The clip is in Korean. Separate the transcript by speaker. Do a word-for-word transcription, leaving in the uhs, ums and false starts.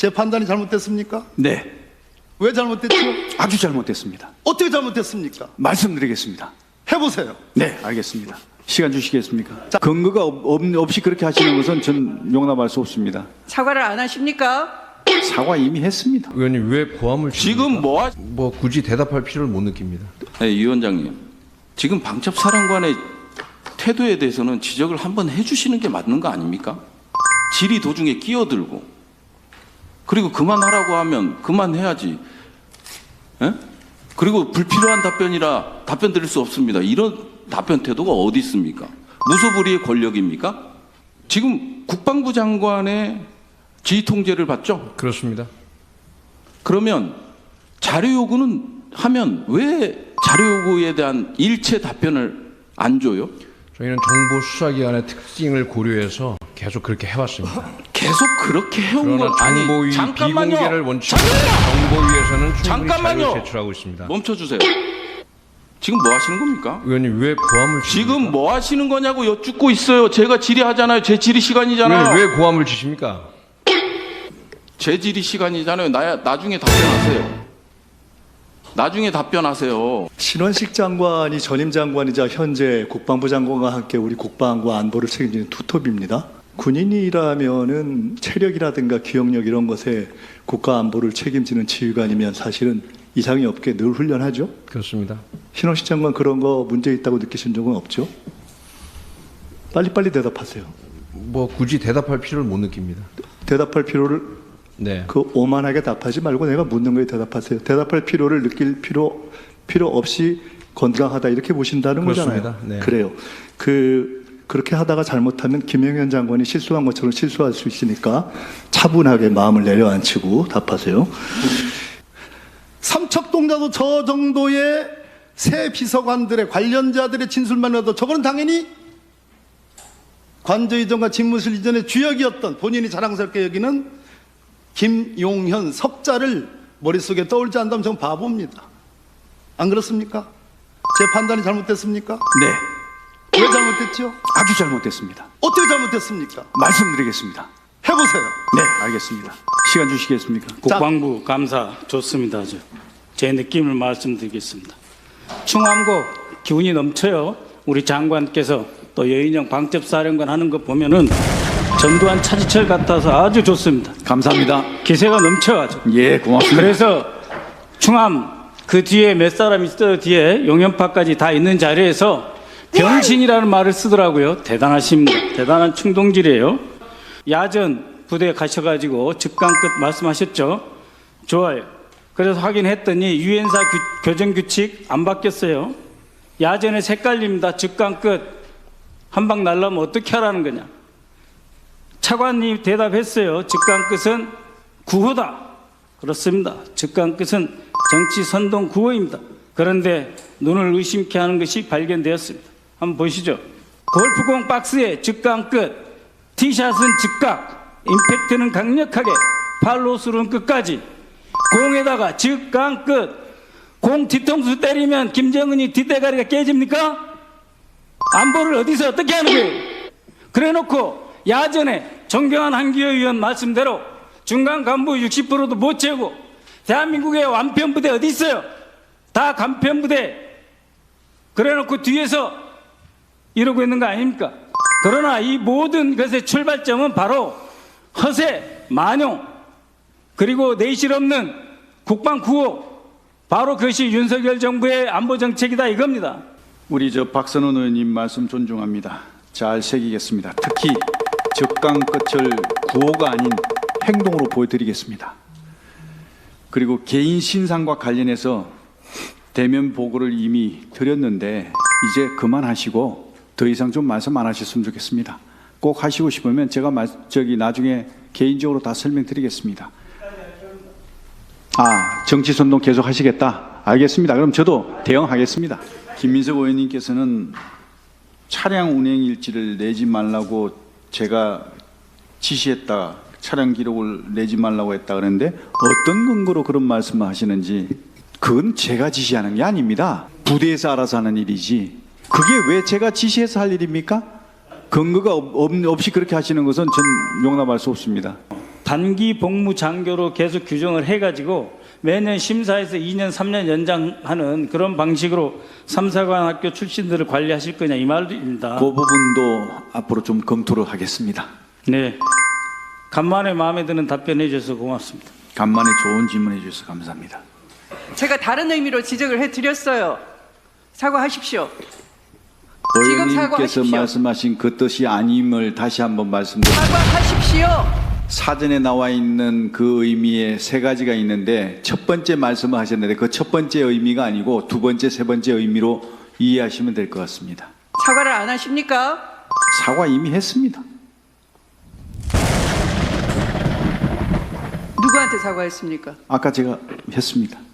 Speaker 1: 제 판단이 잘못됐습니까?
Speaker 2: 네,
Speaker 1: 왜 잘못됐죠?
Speaker 2: 아주 잘못됐습니다.
Speaker 1: 어떻게 잘못됐습니까?
Speaker 2: 말씀드리겠습니다.
Speaker 1: 해보세요.
Speaker 2: 네, 알겠습니다. 시간 주시겠습니까? 자, 근거가 없, 없- 없이 그렇게 하시는 것은 전 용납할 수 없습니다.
Speaker 3: 사과를 안 하십니까?
Speaker 2: 사과 이미 했습니다.
Speaker 4: 의원님 왜 고함을
Speaker 5: 지금
Speaker 4: 칩니까?
Speaker 5: 뭐, 하...
Speaker 4: 뭐 굳이 대답할 필요를 못 느낍니다.
Speaker 5: 네, 이 위원장님, 지금 방첩사령관의 태도에 대해서는 지적을 한번 해주시는 게 맞는 거 아닙니까? 질의 도중에 끼어들고, 그리고 그만하라고 하면 그만해야지. 에? 그리고 불필요한 답변이라 답변 드릴 수 없습니다. 이런 답변 태도가 어디 있습니까? 무소불위의 권력입니까? 지금 국방부 장관의 지휘 통제를 받죠?
Speaker 4: 그렇습니다.
Speaker 5: 그러면 자료 요구는 하면 왜 자료 요구에 대한 일체 답변을 안 줘요?
Speaker 4: 저희는 정보 수사기관의 특징을 고려해서 계속 그렇게 해왔습니다.
Speaker 5: 계속 그렇게 해온
Speaker 4: 그러나
Speaker 5: 거 아니
Speaker 4: 정보위
Speaker 5: 잠깐만요.
Speaker 4: 비공개를 원칙으로
Speaker 5: 잠깐만요.
Speaker 4: 정보위에서는 충분히
Speaker 5: 잠깐만요.
Speaker 4: 자료를 제출하고 있습니다.
Speaker 5: 멈춰주세요. 지금 뭐 하시는 겁니까?
Speaker 4: 의원님 왜 고함을 칩니까?
Speaker 5: 지금 뭐 하시는 거냐고 여쭙고 있어요. 제가 질의하잖아요. 제 질의 시간이잖아요.
Speaker 4: 의원님 왜 고함을 치십니까?
Speaker 5: 제 질의 시간이잖아요. 나, 나중에 답변하세요. 나중에 답변하세요.
Speaker 1: 신원식 장관이 전임 장관이자 현재 국방부 장관과 함께 우리 국방과 안보를 책임지는 투톱입니다. 군인이라면은 체력이라든가 기억력 이런 것에 국가 안보를 책임지는 지휘관이면 사실은 이상이 없게 늘 훈련하죠.
Speaker 4: 그렇습니다.
Speaker 1: 신원식 장관 그런 거 문제 있다고 느끼신 적은 없죠? 빨리빨리 대답하세요.
Speaker 4: 뭐 굳이 대답할 필요를 못 느낍니다.
Speaker 1: 대답할 필요를
Speaker 4: 네.
Speaker 1: 그 오만하게 답하지 말고 내가 묻는 거에 대답하세요. 대답할 필요를 느낄 필요 필요 없이 건강하다 이렇게 보신다는
Speaker 4: 그렇습니다.
Speaker 1: 거잖아요.
Speaker 4: 네.
Speaker 1: 그래요. 그 그렇게 하다가 잘못하면 김영현 장관이 실수한 것처럼 실수할 수 있으니까 차분하게 마음을 내려앉히고 답하세요. 삼척동자도 저 정도의 새 비서관들의 관련자들의 진술만 해도 저거는 당연히 관저 이전과 집무실 이전의 주역이었던 본인이 자랑스럽게 여기는 김용현 석자를 머릿속에 떠올지 않다면 저는 바보입니다. 안 그렇습니까? 제 판단이 잘못됐습니까?
Speaker 2: 네,
Speaker 1: 왜 잘못됐죠?
Speaker 2: 아주 잘못됐습니다.
Speaker 1: 어떻게 잘못됐습니까?
Speaker 2: 말씀드리겠습니다.
Speaker 1: 해보세요.
Speaker 2: 네, 알겠습니다. 시간 주시겠습니까?
Speaker 6: 국방부 감사 좋습니다. 아주. 제 느낌을 말씀드리겠습니다. 충암고 기운이 넘쳐요. 우리 장관께서 또 여인영 방첩사령관 하는 거 보면은 전두환 차지철 같아서 아주 좋습니다.
Speaker 2: 감사합니다.
Speaker 6: 기세가 넘쳐가지고.
Speaker 2: 예, 고맙습니다.
Speaker 6: 그래서 충암 그 뒤에 몇 사람 있어요. 뒤에 용연파까지 다 있는 자리에서 병신이라는 말을 쓰더라고요. 대단하십니다. 대단한 충동질이에요. 야전 부대에 가셔가지고 즉강끝 말씀하셨죠. 좋아요. 그래서 확인했더니 유엔사 규, 교정규칙 안 바뀌었어요. 야전에 색깔립니다. 즉강끝. 한 방 날라면 어떻게 하라는 거냐. 차관님 대답했어요. 즉강끝은 구호다. 그렇습니다. 즉강끝은 정치 선동 구호입니다. 그런데 눈을 의심케 하는 것이 발견되었습니다. 한번 보시죠. 골프공 박스에 즉강끝, 티샷은 즉각, 임팩트는 강력하게, 팔로스루는 끝까지, 공에다가 즉강끝, 공 뒤통수 때리면 김정은이 뒷대가리가 깨집니까? 안보를 어디서 어떻게 하는 거예요? 그래놓고 야전에 존경한 한기호 의원 말씀대로 중간 간부 육십 퍼센트도 못 채우고 대한민국의 완편부대 어디 있어요? 다 간편부대. 그래놓고 뒤에서 이러고 있는 거 아닙니까? 그러나 이 모든 것의 출발점은 바로 허세, 만용, 그리고 내실 없는 국방 구호, 바로 그것이 윤석열 정부의 안보 정책이다 이겁니다.
Speaker 2: 우리 저 박선원 의원님 말씀 존중합니다. 잘 새기겠습니다. 특히 적강 끝을 구호가 아닌 행동으로 보여드리겠습니다. 그리고 개인 신상과 관련해서 대면 보고를 이미 드렸는데 이제 그만하시고 더 이상 좀 말씀 안 하셨으면 좋겠습니다. 꼭 하시고 싶으면 제가 말, 저기 나중에 개인적으로 다 설명드리겠습니다. 아, 정치선동 계속 하시겠다? 알겠습니다. 그럼 저도 대응하겠습니다. 김민석 의원님께서는 차량 운행 일지를 내지 말라고 제가 지시했다, 차량 기록을 내지 말라고 했다 그랬는데 어떤 근거로 그런 말씀을 하시는지 그건 제가 지시하는 게 아닙니다. 부대에서 알아서 하는 일이지 그게 왜 제가 지시해서 할 일입니까? 근거가 없, 없이 그렇게 하시는 것은 전 용납할 수 없습니다.
Speaker 6: 단기 복무 장교로 계속 규정을 해가지고 매년 심사에서 이 년, 삼 년 연장하는 그런 방식으로 삼사관 학교 출신들을 관리하실 거냐 이 말입니다.
Speaker 2: 그 부분도 앞으로 좀 검토를 하겠습니다.
Speaker 6: 네. 간만에 마음에 드는 답변해 주셔서 고맙습니다.
Speaker 2: 간만에 좋은 질문해 주셔서 감사합니다.
Speaker 3: 제가 다른 의미로 지적을 해드렸어요. 사과하십시오. 지금
Speaker 2: 의원님께서
Speaker 3: 사과하십시오.
Speaker 2: 말씀하신 그 뜻이 아님을 다시 한번 말씀드립니다.
Speaker 3: 사과하십시오.
Speaker 2: 사전에 나와 있는 그 의미에 세 가지가 있는데 첫 번째 말씀을 하셨는데 그 첫 번째 의미가 아니고 두 번째, 세 번째 의미로 이해하시면 될 것 같습니다.
Speaker 3: 사과를 안 하십니까?
Speaker 2: 사과 이미 했습니다.
Speaker 3: 누구한테 사과했습니까?
Speaker 2: 아까 제가 했습니다.